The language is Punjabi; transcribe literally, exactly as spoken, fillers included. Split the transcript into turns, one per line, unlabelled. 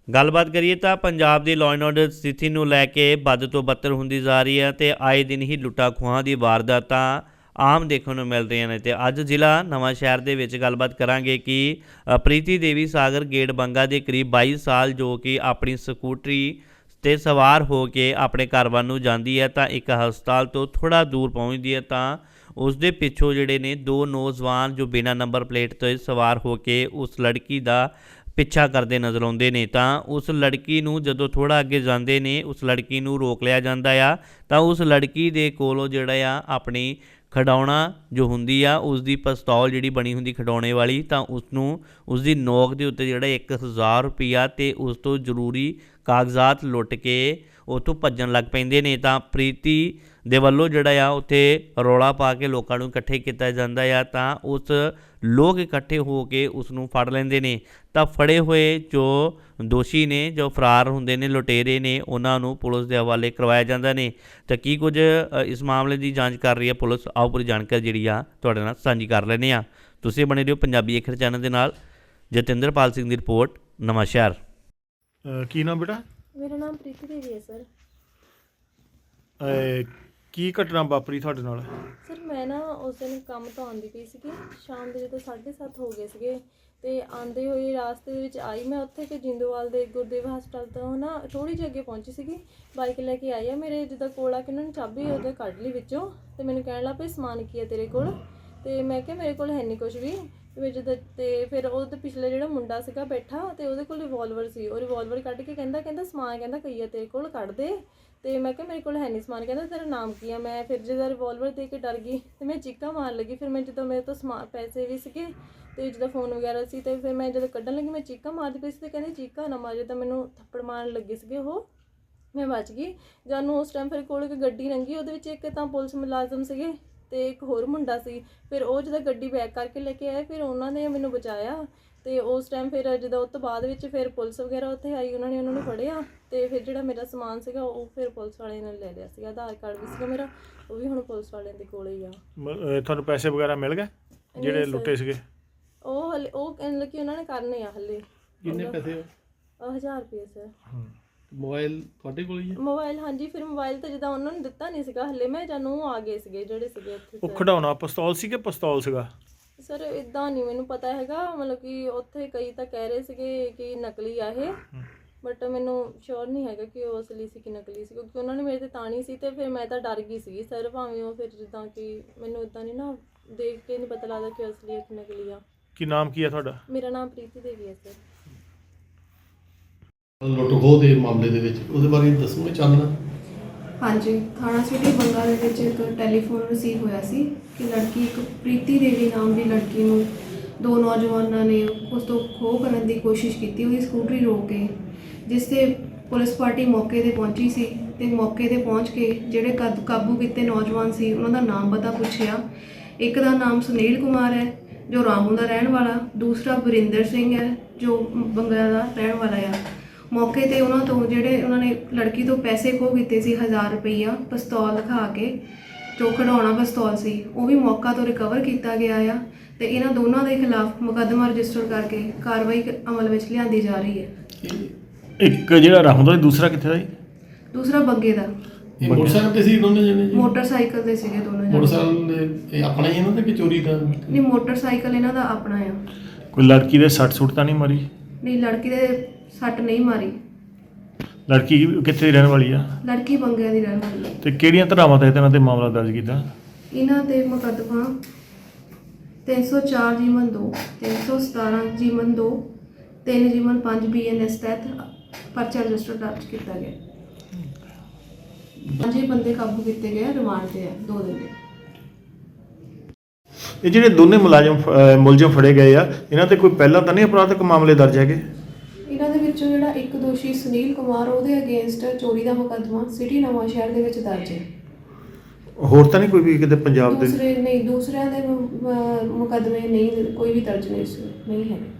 ਗੱਲਬਾਤ ਕਰੀਏ ਤਾਂ ਪੰਜਾਬ ਦੀ ਲਾਅ ਐਂਡ ਆਰਡਰ ਸਥਿਤੀ ਨੂੰ ਲੈ ਕੇ ਵੱਧ ਤੋਂ ਬੱਤਰ ਹੁੰਦੀ ਜਾ ਰਹੀ ਹੈ ਤੇ ਆਏ ਦਿਨ ਹੀ ਲੁੱਟਾਂ ਖੋਹਾਂ ਦੀ ਵਾਰਦਾਤਾਂ ਆਮ ਦੇਖਣ ਨੂੰ ਮਿਲ ਰਹੀਆਂ ਨੇ। ਤੇ ਅੱਜ ਜ਼ਿਲ੍ਹਾ ਨਵਾਂ ਸ਼ਹਿਰ ਦੇ ਵਿੱਚ ਗੱਲਬਾਤ ਕਰਾਂਗੇ ਕਿ ਪ੍ਰੀਤੀ ਦੇਵੀ ਸਾਗਰ ਗੇਟ ਬੰਗਾ ਦੇ ਕਰੀਬ ਬਾਈ ਸਾਲ ਜੋ ਕਿ ਆਪਣੀ ਸਕੂਟਰੀ ਤੇ ਸਵਾਰ ਹੋ ਕੇ ਆਪਣੇ ਘਰ ਵੱਲ ਨੂੰ ਜਾਂਦੀ ਹੈ ਤਾਂ ਇੱਕ ਹਸਪਤਾਲ ਤੋਂ ਥੋੜ੍ਹਾ ਦੂਰ ਪਹੁੰਚਦੀ ਹੈ ਤਾਂ ਉਸ ਦੇ ਪਿੱਛੋਂ ਜਿਹੜੇ ਨੇ ਦੋ ਨੌਜਵਾਨ ਜੋ ਬਿਨਾਂ ਨੰਬਰ ਪਲੇਟ ਤੋਂ ਸਵਾਰ ਹੋ ਕੇ ਉਸ ਲੜਕੀ ਦਾ ਪਿੱਛਾ ਕਰਦੇ ਨਜ਼ਰ ਆਉਂਦੇ ਨੇ। ਤਾਂ ਉਸ ਲੜਕੀ ਨੂੰ ਜਦੋਂ ਥੋੜ੍ਹਾ ਅੱਗੇ ਜਾਂਦੇ ਨੇ ਉਸ ਲੜਕੀ ਨੂੰ ਰੋਕ ਲਿਆ ਜਾਂਦਾ ਆ ਤਾਂ ਉਸ ਲੜਕੀ ਦੇ ਕੋਲੋਂ ਜਿਹੜਾ ਆ ਆਪਣੀ ਖਿਡੌਣਾ ਜੋ ਹੁੰਦੀ ਆ ਉਸ ਦੀ ਪਿਸਤੌਲ ਜਿਹੜੀ ਬਣੀ ਹੁੰਦੀ ਖਿਡੌਣੇ ਵਾਲੀ ਤਾਂ ਉਸਨੂੰ ਉਸ ਦੀ ਨੋਕ ਦੇ ਉੱਤੇ ਜਿਹੜਾ ਇੱਕ ਹਜ਼ਾਰ ਰੁਪਈਆ ਅਤੇ ਉਸ ਤੋਂ ਜ਼ਰੂਰੀ ਕਾਗਜ਼ਾਤ ਲੁੱਟ ਕੇ ਉੱਥੋਂ ਭੱਜਣ ਲੱਗ ਪੈਂਦੇ ਨੇ। ਤਾਂ ਪ੍ਰੀਤੀ ਦੇ ਵੱਲੋਂ ਜਿਹੜਾ ਆ ਉੱਥੇ ਰੌਲਾ ਪਾ ਕੇ ਲੋਕਾਂ ਨੂੰ ਇਕੱਠੇ ਕੀਤਾ ਜਾਂਦਾ ਆ ਤਾਂ ਉਸ ਲੋਕ ਇਕੱਠੇ ਹੋ ਕੇ ਉਸ ਨੂੰ ਫੜ ਲੈਂਦੇ ਨੇ। ਤਾਂ ਫੜੇ ਹੋਏ ਜੋ ਦੋਸ਼ੀ ਨੇ ਜੋ ਫਰਾਰ ਹੁੰਦੇ ਨੇ ਲੁਟੇਰੇ ਨੇ ਉਹਨਾਂ ਨੂੰ ਪੁਲਿਸ ਦੇ ਹਵਾਲੇ ਕਰਵਾਇਆ ਜਾਂਦਾ ਨੇ। ਤਾਂ ਕੀ ਕੁਝ ਇਸ ਮਾਮਲੇ ਦੀ ਜਾਂਚ ਕਰ ਰਹੀ ਹੈ ਪੁਲਿਸ, ਆਓ ਪੂਰੀ ਜਾਣਕਾਰੀ ਜਿਹੜੀ ਆ ਤੁਹਾਡੇ ਨਾਲ ਸਾਂਝੀ ਕਰ ਲੈਂਦੇ ਹਾਂ। ਤੁਸੀਂ ਬਣੇ ਰਹੋ ਪੰਜਾਬੀ ਅੱਖਰ ਚੈਨਲ ਦੇ ਨਾਲ। ਜਤਿੰਦਰਪਾਲ ਸਿੰਘ ਦੀ ਰਿਪੋਰਟ, ਨਵਾਂ ਸ਼ਹਿਰ।
ਕੀ ਨਾਮ ਬੇਟਾ?
ਮੇਰਾ ਨਾਮ ਪ੍ਰੀਤੀ ਦੇਵੀ ਹੈ ਸਰ।
ਕੀ ਘਟਨਾ ਵਾਪਰੀ ਤੁਹਾਡੇ ਨਾਲ?
ਸਰ ਮੈਂ ਨਾ ਉਸ ਦਿਨ ਕੰਮ ਤੋਂ ਆਉਂਦੀ ਪਈ ਸੀਗੀ, ਸ਼ਾਮ ਦੇ ਜਦੋਂ ਸਾਢੇ ਸੱਤ ਹੋ ਗਏ ਸੀਗੇ ਅਤੇ ਆਉਂਦੇ ਹੋਏ ਰਾਸਤੇ ਦੇ ਵਿੱਚ ਆਈ ਮੈਂ ਉੱਥੇ ਕਿ ਜਿੰਦੋਵਾਲ ਦੇ ਗੁਰਦੇਵ ਹਸਪਤਾਲ ਤੋਂ ਨਾ ਥੋੜ੍ਹੀ ਜਿਹੀ ਅੱਗੇ ਪਹੁੰਚੀ ਸੀਗੀ। ਬਾਈਕ ਲੈ ਕੇ ਆਈ ਆ ਮੇਰੇ ਜਿੱਦਾਂ ਕੋਲ ਆ ਕੇ ਉਹਨਾਂ ਨੇ ਚਾਬੀ ਉਹਦੇ ਕੱਢ ਲਈ ਵਿੱਚੋਂ ਅਤੇ ਮੈਨੂੰ ਕਹਿਣ ਲੱਗ ਪਏ ਸਮਾਨ ਕੀ ਹੈ ਤੇਰੇ ਕੋਲ, ਅਤੇ ਮੈਂ ਕਿਹਾ ਮੇਰੇ ਕੋਲ ਹੈ ਨਹੀਂ ਕੁਛ ਵੀ। ਅਤੇ ਜਿੱਦਾਂ ਅਤੇ ਫਿਰ ਉਹਦੇ ਪਿਛਲੇ ਜਿਹੜਾ ਮੁੰਡਾ ਸੀਗਾ ਬੈਠਾ ਅਤੇ ਉਹਦੇ ਕੋਲ ਰਿਵੋਲਵਰ ਸੀ, ਉਹ ਰਿਵੋਲਵਰ ਕੱਢ ਕੇ ਕਹਿੰਦਾ ਕਹਿੰਦਾ ਸਮਾਨ ਕਹਿੰਦਾ ਕਈ ਆ ਤੇਰੇ ਕੋਲ ਕੱਢ ਦੇ। ਅਤੇ ਮੈਂ ਕਿਹਾ ਮੇਰੇ ਕੋਲ ਹੈ ਨਹੀਂ ਸਮਾਨ, ਕਹਿੰਦਾ ਤੇਰਾ ਨਾਮ ਕੀ ਆ। ਮੈਂ ਫਿਰ ਜਦੋਂ ਰਿਵੋਲਵਰ ਦੇ ਕੇ ਡਰ ਗਈ ਅਤੇ ਮੈਂ ਚੀਕਾਂ ਮਾਰਨ ਲੱਗੀ। ਫਿਰ ਮੈਂ ਜਦੋਂ ਮੇਰੇ ਤੋਂ ਸਮਾਨ ਪੈਸੇ ਵੀ ਸੀਗੇ ਅਤੇ ਜਿੱਦਾਂ ਫੋਨ ਵਗੈਰਾ ਸੀ ਅਤੇ ਫਿਰ ਮੈਂ ਜਦੋਂ ਕੱਢਣ ਲੱਗੀ ਮੈਂ ਚੀਕਾਂ ਮਾਰਦੀ ਪਈ ਸੀ ਅਤੇ ਕਹਿੰਦੇ ਚੀਕਾਂ ਨਾ ਮਾਰੇ, ਤਾਂ ਮੈਨੂੰ ਥੱਪੜ ਮਾਰਨ ਲੱਗੇ ਸੀਗੇ ਉਹ। ਮੈਂ ਬਚ ਗਈ। ਜਾਨੂੰ ਉਸ ਟਾਈਮ ਫਿਰ ਕੋਲ ਇੱਕ ਗੱਡੀ ਲੰਘੀ, ਉਹਦੇ ਵਿੱਚ ਇੱਕ ਤਾਂ ਪੁਲਿਸ ਮੁਲਾਜ਼ਮ ਸੀਗੇ ਅਤੇ ਇੱਕ ਹੋਰ ਮੁੰਡਾ ਸੀ। ਫਿਰ ਉਹ ਜਦੋਂ ਗੱਡੀ ਬੈਕ ਕਰਕੇ ਲੈ ਕੇ ਆਏ ਫਿਰ ਉਹਨਾਂ ਨੇ ਮੈਨੂੰ ਬਚਾਇਆ। ਅਤੇ ਉਸ ਟਾਈਮ ਫਿਰ ਜਦੋਂ ਉਸ ਤੋਂ ਬਾਅਦ ਵਿੱਚ ਫਿਰ ਪੁਲਿਸ ਵਗੈਰਾ ਉੱਥੇ ਆਈ, ਉਹਨਾਂ ਨੇ ਉਹਨਾਂ ਨੂੰ ਫੜਿਆ ਅਤੇ ਫਿਰ ਜਿਹੜਾ ਮੇਰਾ ਸਮਾਨ ਸੀਗਾ ਉਹ ਫਿਰ ਪੁਲਿਸ ਵਾਲਿਆਂ ਨੇ ਲੈ ਲਿਆ ਸੀਗਾ। ਆਧਾਰ ਕਾਰਡ ਵੀ ਸੀਗਾ ਮੇਰਾ, ਉਹ ਵੀ ਹੁਣ ਪੁਲਿਸ ਵਾਲਿਆਂ ਦੇ ਕੋਲ ਹੀ ਆ।
ਤੁਹਾਨੂੰ ਪੈਸੇ ਵਗੈਰਾ ਮਿਲ ਗਏ ਜਿਹੜੇ ਲੁੱਟੇ ਸੀਗੇ?
ਉਹ ਹਲੇ ਉਹ ਕਹਿੰਦੇ ਕਿ ਉਹਨਾਂ ਨੇ ਕਰਨੇ ਆ ਹਲੇ।
ਕਿੰਨੇ ਪੈਸੇ?
ਹਜ਼ਾਰ ਰੁਪਏ ਸਰ।
ਮੋਬਾਈਲ ਤੁਹਾਡੇ ਕੋਲ ਹੀ ਹੈ?
ਮੋਬਾਈਲ ਹਾਂਜੀ। ਫਿਰ ਮੋਬਾਈਲ ਤਾਂ ਜਿੱਦਾਂ ਉਹਨਾਂ ਨੇ ਦਿੱਤਾ ਨਹੀਂ ਸੀਗਾ ਹਲੇ, ਮੈਂ ਜਾਨੂੰ ਆ ਗਏ ਸੀਗੇ ਜਿਹੜੇ ਸੀਗੇ ਉੱਥੇ।
ਉਹ ਖਿਡੌਣਾ ਪਿਸਤੌਲ ਸੀ ਕਿ ਪਿਸਤੌਲ ਸੀਗਾ?
ਸਰ ਇੱਦਾਂ ਨਹੀਂ ਮੈਨੂੰ ਪਤਾ ਹੈਗਾ, ਮਤਲਬ ਕਿ ਉੱਥੇ ਕਈ ਤਾਂ ਕਹਿ ਰਹੇ ਸੀਗੇ ਕਿ ਨਕਲੀ ਆ ਇਹ, ਬਟ ਮੈਨੂੰ ਸ਼ੋਰ ਨਹੀਂ ਹੈਗਾ ਕਿ ਉਹ ਅਸਲੀ ਸੀ ਕਿ ਨਕਲੀ ਸੀ, ਕਿਉਂਕਿ ਉਹਨਾਂ ਨੇ ਮੇਰੇ 'ਤੇ ਤਾਣੀ ਸੀ ਅਤੇ ਫਿਰ ਮੈਂ ਤਾਂ ਡਰ ਗਈ ਸੀਗੀ ਸਰ। ਭਾਵੇਂ ਉਹ ਫਿਰ ਜਿੱਦਾਂ ਕਿ ਮੈਨੂੰ ਇੱਦਾਂ ਨਹੀਂ ਨਾ ਦੇਖ ਕੇ ਨਹੀਂ ਪਤਾ ਲੱਗਦਾ ਕਿ ਅਸਲੀ ਹੈ ਕਿ ਨਕਲੀ ਆ।
ਕੀ ਨਾਮ ਕੀ ਹੈ ਤੁਹਾਡਾ?
ਮੇਰਾ ਨਾਮ ਪ੍ਰੀਤੀ ਦੇਵੀ ਹੈ ਸਰ।
ਲੁੱਟ ਖੋਹ ਦੇ ਮਾਮਲੇ ਦੇ ਵਿੱਚ ਉਹਦੇ ਬਾਰੇ ਦੱਸੋਗੇ ਚਾਨਣਾ?
ਹਾਂਜੀ, ਥਾਣਾ ਸਿਟੀ ਬੰਗਾ ਦੇ ਵਿੱਚ ਇੱਕ ਟੈਲੀਫੋਨ ਰਿਸੀਵ ਹੋਇਆ ਸੀ ਕਿ ਲੜਕੀ ਇੱਕ ਪ੍ਰੀਤੀ ਦੇਵੀ ਨਾਮ ਦੀ ਲੜਕੀ ਨੂੰ ਦੋ ਨੌਜਵਾਨਾਂ ਨੇ ਉਸ ਤੋਂ ਖੋਹ ਕਰਨ ਦੀ ਕੋਸ਼ਿਸ਼ ਕੀਤੀ, ਉਹਦੀ ਸਕੂਟਰੀ ਰੋਕ ਕੇ, ਜਿਸ 'ਤੇ ਪੁਲਿਸ ਪਾਰਟੀ ਮੌਕੇ 'ਤੇ ਪਹੁੰਚੀ ਸੀ ਅਤੇ ਮੌਕੇ 'ਤੇ ਪਹੁੰਚ ਕੇ ਜਿਹੜੇ ਕਦ ਕਾਬੂ ਕੀਤੇ ਨੌਜਵਾਨ ਸੀ ਉਹਨਾਂ ਦਾ ਨਾਮ ਪਤਾ ਪੁੱਛਿਆ। ਇੱਕ ਦਾ ਨਾਮ ਸੁਨੀਲ ਕੁਮਾਰ ਹੈ ਜੋ ਰਾਮੂ ਦਾ ਰਹਿਣ ਵਾਲਾ, ਦੂਸਰਾ ਵਰਿੰਦਰ ਸਿੰਘ ਹੈ ਜੋ ਬੰਗਾ ਦਾ ਰਹਿਣ ਵਾਲਾ ਆ। ਮੌਕੇ 'ਤੇ ਉਹਨਾਂ ਤੋਂ ਜਿਹੜੇ ਉਹਨਾਂ ਨੇ ਲੜਕੀ ਤੋਂ ਪੈਸੇ ਖੋਹ ਕੀਤੇ ਸੀ ਹਜ਼ਾਰ ਰੁਪਈਆ ਪਿਸਤੌਲ ਦਿਖਾ ਕੇ, ਜੋ ਖਿਡੌਣਾ ਪਿਸਤੌਲ ਸੀ ਉਹ ਵੀ ਮੌਕਾ ਤੋਂ ਰਿਕਵਰ ਕੀਤਾ ਗਿਆ ਆ ਅਤੇ ਇਹਨਾਂ ਦੋਨਾਂ ਦੇ ਖਿਲਾਫ ਮੁਕੱਦਮਾ ਰਜਿਸਟਰ ਕਰਕੇ ਕਾਰਵਾਈ ਅਮਲ ਵਿੱਚ ਲਿਆਂਦੀ ਜਾ ਰਹੀ ਹੈ।
ਇੱਕ ਜਿਹੜਾ ਰਾਹੋਂ ਦਾ, ਦੂਸਰਾ ਕਿੱਥੇ ਦਾ ਜੀ?
ਦੂਸਰਾ ਬੰਗੇ ਦਾ।
ਇਹ ਮੋਟਰਸਾਈਕਲ ਤੇ ਸੀ ਦੋਨੇ ਜਣੇ ਜੀ?
ਮੋਟਰਸਾਈਕਲ 'ਤੇ ਸੀਗੇ ਦੋਨੋਂ ਜਣੇ।
ਮੋਟਰਸਾਈਕਲ ਇਹ ਆਪਣਾ ਹੀ ਇਹਨਾਂ ਦਾ ਕਿ ਚੋਰੀ ਦਾ?
ਨਹੀਂ, ਮੋਟਰਸਾਈਕਲ ਇਹਨਾਂ ਦਾ ਆਪਣਾ ਆ।
ਕੋਈ ਲੜਕੀ ਦੇ ਸੱਟ ਸੁੱਟ ਤਾਂ ਨਹੀਂ ਮਾਰੀ?
ਨਹੀਂ, ਲੜਕੀ ਦੇ ਸੱਟ ਨਹੀਂ ਮਾਰੀ।
ਲੜਕੀ ਕਿੱਥੇ ਦੀ ਰਹਿਣ ਵਾਲੀ ਆ?
ਲੜਕੀ ਬੰਗਿਆਂ ਦੀ ਰਹਿਣ ਵਾਲੀ ਹੈ।
ਅਤੇ ਕਿਹੜੀਆਂ ਧਾਰਾਵਾਂ ਤਹਿਤ ਇਹਨਾਂ 'ਤੇ ਮਾਮਲਾ ਦਰਜ ਕੀਤਾ?
ਇਹਨਾਂ 'ਤੇ ਮੁਕੱਦਮਾ ਤਿੰਨ ਸੌ ਚਾਰ ਜੀਵਨ ਦੋ, ਤਿੰਨ ਸੌ ਸਤਾਰਾਂ ਜੀਵਨ ਦੋ, ਤਿੰਨ ਜੀਵਨ ਪੰਜ ਬੀ ਐਨ ਐਸ ਤਹਿਤ ਪਰਚਾ ਰਜਿਸਟਰ ਦਰਜ ਕੀਤਾ ਗਿਆ। ਪੰਜੇ ਬੰਦੇ ਕਾਬੂ ਕੀਤੇ ਗਏ, ਰਿਮਾਂਡ 'ਤੇ ਆ ਦੋ ਦਿਨ ਦੇ।
ਇਹ ਜਿਹੜੇ ਦੋਨੇ ਮੁਲਾਜ਼ਮ ਮੁਲਜ਼ਮ ਫੜੇ ਗਏ ਆ ਇਹਨਾਂ 'ਤੇ ਕੋਈ ਪਹਿਲਾਂ ਤਾਂ ਨਹੀਂ ਅਪਰਾਧਿਕ ਮਾਮਲੇ ਦਰਜ ਹੈਗੇ?
ਇਹਨਾਂ ਦੇ ਵਿੱਚੋਂ ਜਿਹੜਾ ਇੱਕ ਦੋਸ਼ੀ ਸੁਨੀਲ ਕੁਮਾਰ ਉਹਦੇ ਅਗੇਂਸਟ ਚੋਰੀ ਦਾ ਮੁਕੱਦਮਾ ਸਿਟੀ ਨਵਾਂ ਸ਼ਹਿਰ ਦੇ ਵਿੱਚ ਦਰਜ ਹੈ।
ਹੋਰ ਤਾਂ ਨਹੀਂ ਕੋਈ ਵੀ ਕਿਤੇ ਪੰਜਾਬ ਦੇ?
ਦੂਸਰੇ ਨਹੀਂ, ਦੂਸਰਿਆਂ ਦੇ ਮੁਕੱਦਮੇ ਨਹੀਂ, ਕੋਈ ਵੀ ਦਰਜ ਨਹੀਂ ਨਹੀਂ ਹੈ।